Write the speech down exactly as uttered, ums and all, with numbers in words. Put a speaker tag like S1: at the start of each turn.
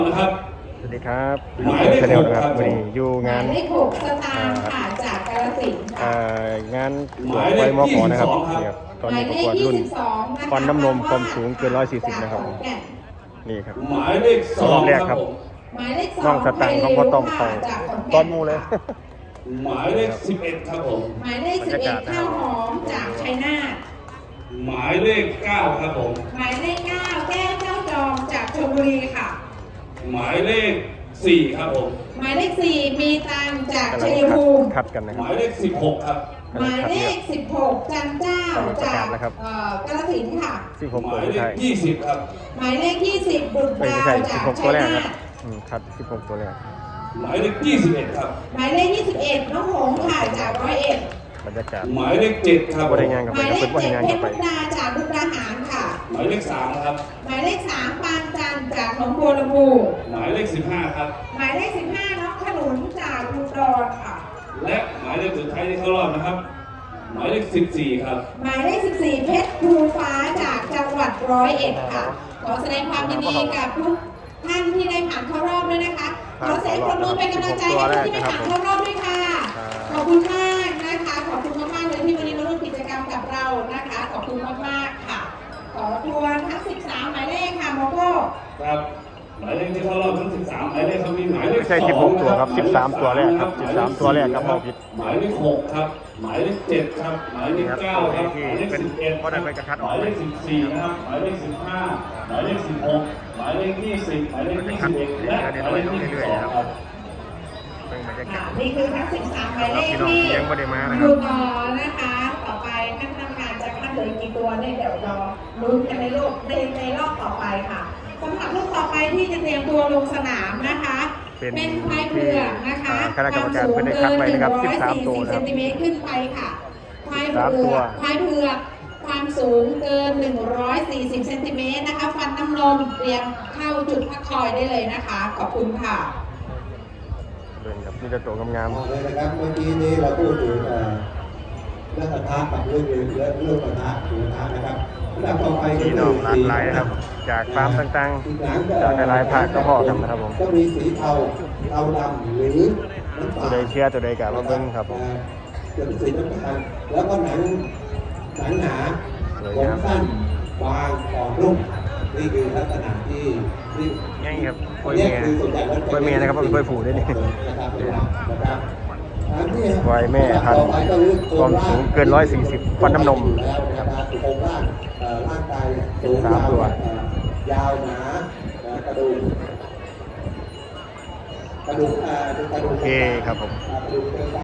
S1: นะครับ
S2: สวัสดีครับ
S1: หมายเลข
S2: ชาแน
S1: ห
S2: ล
S1: ก
S2: นะค
S1: ค
S2: รั
S1: รั
S2: บบ วันนี้อยู่งาน
S3: หมายเลขหกสตางค์ค่ะจากกาฬสินธุ์
S2: เอ่
S3: ค่ะ
S2: องาน
S1: หมายเล
S2: ไฟ
S1: ข
S2: มอขอนะครับ
S1: ยี่สิบสองครับ
S2: นี่ครับตอน
S3: หมา
S2: นี้
S3: ย
S2: ประ
S3: เล
S2: ก
S3: ข
S2: วดรุ่น
S3: ยี่สิบสองนะคะ
S2: ฟันน้ำนมความสูงเกินร้อยสี่สิบนะครับ
S3: จากขอนแก่น
S2: นี่ครับ
S1: หมายเลขสอ
S2: รง อบแรกครับ
S1: ผม
S3: หมายเลขสอง
S2: น้องสตังค์เขาก็ต้องเข้า
S3: จากขอน
S2: ต
S3: แก่
S2: อน
S3: น
S2: หมูเลย
S1: หมายเลขสิบเอ็ดครับผม
S3: หมายเลขสิบเอ็ดข้าวหอมจากชัยนาท
S1: หมายเลขเก้าครับผม
S3: หมายเลขเก้าแก้วเจ้าจอมจากชลบุรีค่ะ
S1: หมายเลขสี่ครับผม
S3: หมายเลขสี่มีตังจาก
S2: กำลั
S3: ชั
S2: ง
S3: ย
S2: คัด
S3: ภูมิ
S2: คัดกันนะ
S1: ห
S2: ครับ
S1: มายเลขสิบหกครับ
S3: หมายเลขสิบหกจันเจ้าจากเอ่อกาฬสินธุ์ค่ะ
S2: สิบหก
S1: ห
S2: ตัว
S1: มาย
S2: ไม่
S1: เล
S2: ใช่
S1: ขยี่สิบครับ
S3: หมายเลขยี่สิบบุตร
S2: ไม่
S3: ดาว
S2: ใช่สิ
S3: จา
S2: บ
S3: ก
S2: หกตั
S3: ชั
S2: วย แรก
S3: นา
S2: ครับ
S3: ท
S2: อืมคัดสิบหกตัวแรก
S1: หมายเลขยี่สิบเอ็ดครับ
S3: หมายเลขยี่สิบเอ็ดน้องหงส์ค่ะจากร้อยเอ็ด
S2: บรรยากาศ
S1: หมายเลขเจ็ดครับ
S2: บริงานกับ
S3: ห
S2: ไป
S3: มายเล
S2: กับ
S3: ข
S2: เพื่อน
S3: เจ็ด
S2: บริงาน
S3: เพ
S2: กับ
S3: ชร
S2: ไป
S3: มุกดาจากมุกดาหารค่ะ
S1: หมายเลขสามครับ
S3: หมายเลขสามปางจันทร์จากหนองบัวลำพู
S1: หมายเลขสิบห้าครับ
S3: หมายเลขสิบห้าน้องขนุนจากอุดรค่ะ
S1: และหมายเลขสุดท้ายที่เข้ารอบนะครับ หมายเลขสิบสี่ครับ
S3: หมายเลขสิบสี่เพชรภูฟ้าจากจังหวัดร้อยเอ็ดค่ะ ขอแสดงความยินดีกับทุกท่านที่ได้ผ่านเข้ารอบด้วยนะคะ ขอเสียงปรบมือเป็นกำลังใจให้ผู้ที่ได้ผ่านเข้ารอบด้วยค่ะ ขอบคุณมากนะคะ ขอบคุณมากๆเลยที่วันนี้มาร่วมกิจกรรมกับเรานะคะ ขอบคุณมากๆค่ะ ขอทวนทั้งสิบสามหมายเลขค่ะโมโก้
S1: ครับ หมายเลขที่เข้ารอบทั้งสิบสามหมายเลขเขามีหมายเลข
S2: ไม่ใช่สิบหกตัวครับสิบสามตัวแรกครับสิบสามตัวแรกครับมองผิด
S1: หมายเลขหกครับ หมายเลขเจ็ดครับ หมายเลขเก้าครับ หมายเลขสิบเอ็ด
S2: เพราะได้ไปกระทัดอ
S1: ห
S2: อก
S1: มายเลขสิบสี่นะครับ หมายเลขสิบห้าหมายเลขสิบหกหมายเลขยี่สิบหมายเลขยี่สิบเอ็ดและหมายเลขยี่สิบสองครับ
S2: เป็นบรรยากา
S3: ค่ะ
S2: ศ
S3: นี่คือทั้งสิบสามหมายเลข
S2: พี่น้อง
S3: ที่
S2: ที่ยังไม่ได้มานะค
S3: ดู
S2: รับ
S3: ต่อนะคะ ต่อไปท่านทำงานจะคัดเหลือกี่ตัวเนี่ยเดี๋ยวรอลุ้นกันในโลกในในรอบต่อไปค่ะสำหรับลูกต่อไปที่จะเตรียมตัวลงสนามนะคะ เป็นควายเผือกนะคะ
S2: คณะกรรมการไม่ได้คัดไว้นะครับสิบสามตัว
S3: เซ
S2: นะครั
S3: น
S2: บ
S3: ติเมตรขึ้นไปค่ะควาย
S2: สาม
S3: เผื
S2: ตัว
S3: อกควายเผือกความสูงเกิน หนึ่งร้อยสี่สิบเซนติเมตรนะคะ ฟันน้ำนมเตรียมเข้าจุดพักคอยได้เลยนะคะ ขอบคุณค่ะ
S2: เดินครับนี่จะตัวงาม
S4: บอกเลยนะครับเมื่อกี้นี้เราพูดถึงเอ่อเรื่องกระทะกับเรื่องเรื่องเรื่องกระทะหรือกระทะนะครับอันดับต่อไป
S2: ๆ
S4: ก็
S2: พี่
S4: คื
S2: น้อง
S4: อ
S2: หลากหลายนะครับ จากฟาร์มต่าง
S4: อีกหลัง
S2: ๆ จากหลายๆภาคก็พอกันนะครับผม
S4: ก็มีสีเทาเทาดำหรือน้ำ
S2: ตัว
S4: ตาล
S2: ใดเชียร์ตัวใดกะมาเบิ้งครับผม
S4: เอ่อจะเป็นสีน้ำตาลแล้วก็หนังหนังหนา
S2: สวย
S4: ผม
S2: งาม
S4: สั้นบางอ่อนนุ่มนี่คือลักษณะที่ที่
S2: ง่ายครับกล้วย
S4: เนี่
S2: เมีย
S4: คือส่วนใหญ่แล้ว
S2: กล้วยเมียนะครับเพราะเป็นกล้วยผูด้วยนี่
S4: นะครับนะครับอันที่
S2: กล้วยแม่พันธุ์ความสูงเกินร้อยสี่สิบฟันน้ำนม
S4: แล้วนะครับโครงร่างเอ่อร่างกายเนี่ยสูง
S2: สามตัว
S4: เอ่อยาวหนาเอ่อกระดูกกระดูกเอ่อกระดูก
S2: โอเคครับผม
S4: กระดูก